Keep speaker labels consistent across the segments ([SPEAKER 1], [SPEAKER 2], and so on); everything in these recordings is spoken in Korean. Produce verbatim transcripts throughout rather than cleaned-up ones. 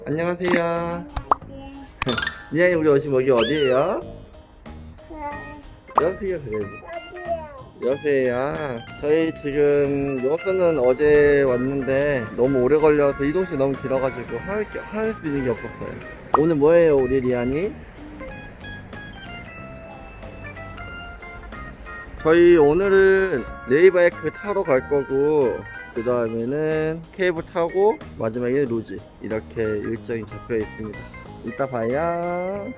[SPEAKER 1] 안녕하세요. 리안이 우리 지금 여기 어디에요? 여수요, 그래. 여수에요. 저희 지금 여수는 어제 왔는데 너무 오래 걸려서 이동시간이 너무 길어가지고 할, 할 수 있는 게 없었어요. 오늘 뭐예요, 우리 리안이? 저희 오늘은 레이바이크 타러 갈 거고, 그 다음에는 케이블 타고 마지막에 루지, 이렇게 일정이 잡혀 있습니다. 이따 봐요.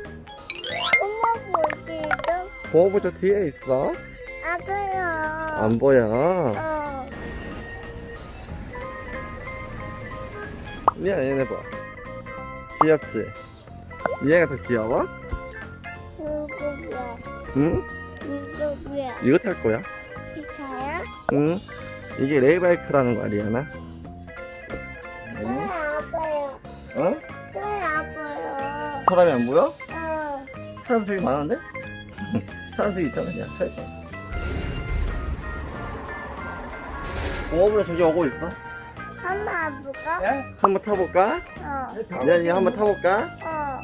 [SPEAKER 2] 엄마 어디죠?
[SPEAKER 1] 보호부 저 뒤에 있어.
[SPEAKER 2] 안 보여.
[SPEAKER 1] 안 보여.
[SPEAKER 2] 어.
[SPEAKER 1] 리안 얘네 봐. 귀엽지? 얘가 더 귀여워?
[SPEAKER 2] 누구야?
[SPEAKER 1] 응?
[SPEAKER 2] 누구야?
[SPEAKER 1] 이거 탈 거야?
[SPEAKER 2] 기차야?
[SPEAKER 1] 응? 이게 레이바이크라는 거야, 리안아.
[SPEAKER 2] 왜 안 보여?
[SPEAKER 1] 어?
[SPEAKER 2] 왜 안 보여?
[SPEAKER 1] 사람이 안 보여?
[SPEAKER 2] 어.
[SPEAKER 1] 사람 되게 많은데? 사람 되게 있잖아, 그냥 탈 거. 보호부에 저기 오고 있어.
[SPEAKER 2] 한번 안 볼까?
[SPEAKER 1] 한번 타볼까?
[SPEAKER 2] 어.
[SPEAKER 1] 리안이 한번 타볼까?
[SPEAKER 2] 어.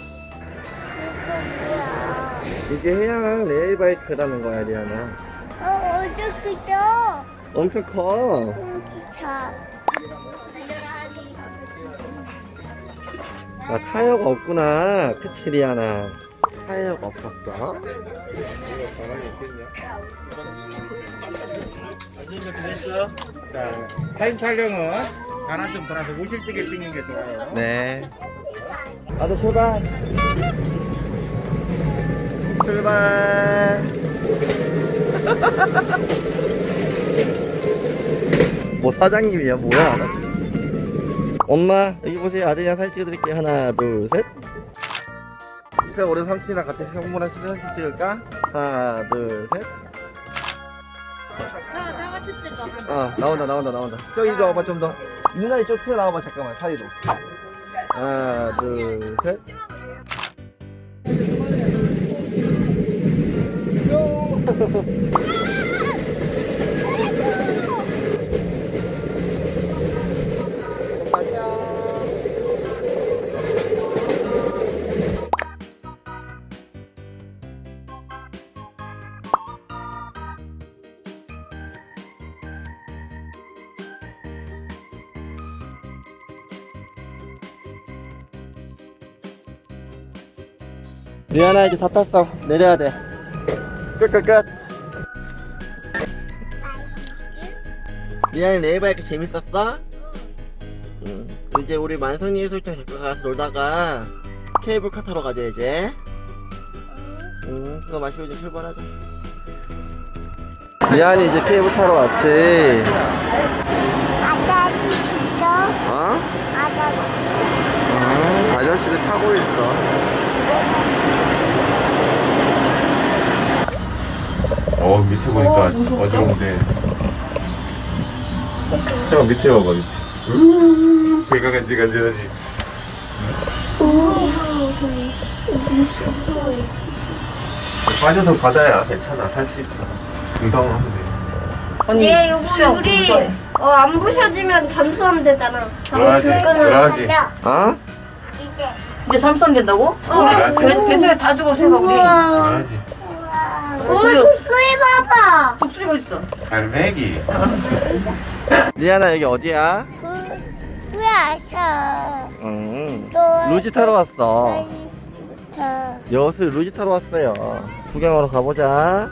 [SPEAKER 2] 누구야?
[SPEAKER 1] 이게 해양 레이바이크라는 거야, 리안아.
[SPEAKER 2] 어, 어저께죠?
[SPEAKER 1] 엄청 커.
[SPEAKER 2] 응, 기차.
[SPEAKER 1] 아, 타이어가 없구나. 그치, 리안아. 타이어가 없었어.
[SPEAKER 3] 자, 사진 촬영은 가나 좀 돌아서 우실지게 찍는 게 좋아요.
[SPEAKER 1] 네. 나도 출발. 출발. 뭐 사장님이야, 뭐야? 나 지금. 엄마, 여기 보세요. 아들이랑 사진 찍어드릴게요. 하나, 둘, 셋. 이제 우리 삼촌이랑 같이 형부랑 사진 찍을까? 하나, 둘, 셋. 아, 나온다, 나온다, 나온다. 저기 이리 와봐, 좀 더. 누나 이쪽 튀어 나와봐, 잠깐만, 사이로. 하나, 둘, 셋. 리안아 이제 다 탔어. 내려야 돼. 끝끝끝. 리안이 레이바이크 재밌었어? 응. 이제 우리 만성리 해수욕장 잠깐 가서 놀다가 케이블카 타러 가자 이제. 응. 그거 마시고 이제 출발하자. 리안이 이제 케이블 타러 왔지.
[SPEAKER 2] 아저씨 진짜?
[SPEAKER 1] 어?
[SPEAKER 2] 아저씨.
[SPEAKER 1] 응. 아저씨를 타고 있어.
[SPEAKER 4] 어 밑에 보니까 어지러운데 잠깐 밑에 봐봐 밑에 우uu 배가 간질간질하지. 빠져서 바다야 괜찮아 살 수 있어. 금방 하면 돼.
[SPEAKER 5] 아니,
[SPEAKER 2] 얘 요거
[SPEAKER 5] 수영
[SPEAKER 2] 유리
[SPEAKER 5] 무서워.
[SPEAKER 2] 어, 안 부셔지면 잠수하면 되잖아.
[SPEAKER 4] 그러지 그러지.
[SPEAKER 1] 어?
[SPEAKER 2] 이제.
[SPEAKER 5] 이제 삼성 된다고?
[SPEAKER 2] 어,
[SPEAKER 5] 배, 뱃속에서 다 죽었으니까 우리.
[SPEAKER 4] 그러지.
[SPEAKER 2] 오, 속소리 봐봐.
[SPEAKER 5] 독수리가 있어.
[SPEAKER 4] 갈매기.
[SPEAKER 1] 리안아 여기 어디야?
[SPEAKER 2] 그, 왜안 쳐?
[SPEAKER 1] 응.
[SPEAKER 2] 또.
[SPEAKER 1] 루지 타러 왔어.
[SPEAKER 2] 쳐.
[SPEAKER 1] 여수 루지 타러 왔어요. 구경하러 가보자.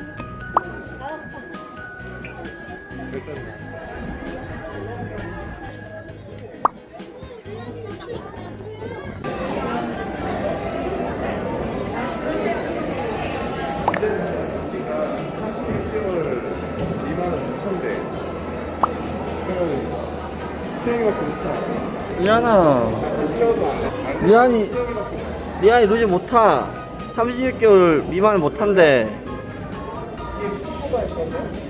[SPEAKER 1] 리안아, 리안이 리안이 루지 못 타. 삼십육 개월 미만 못 탄대.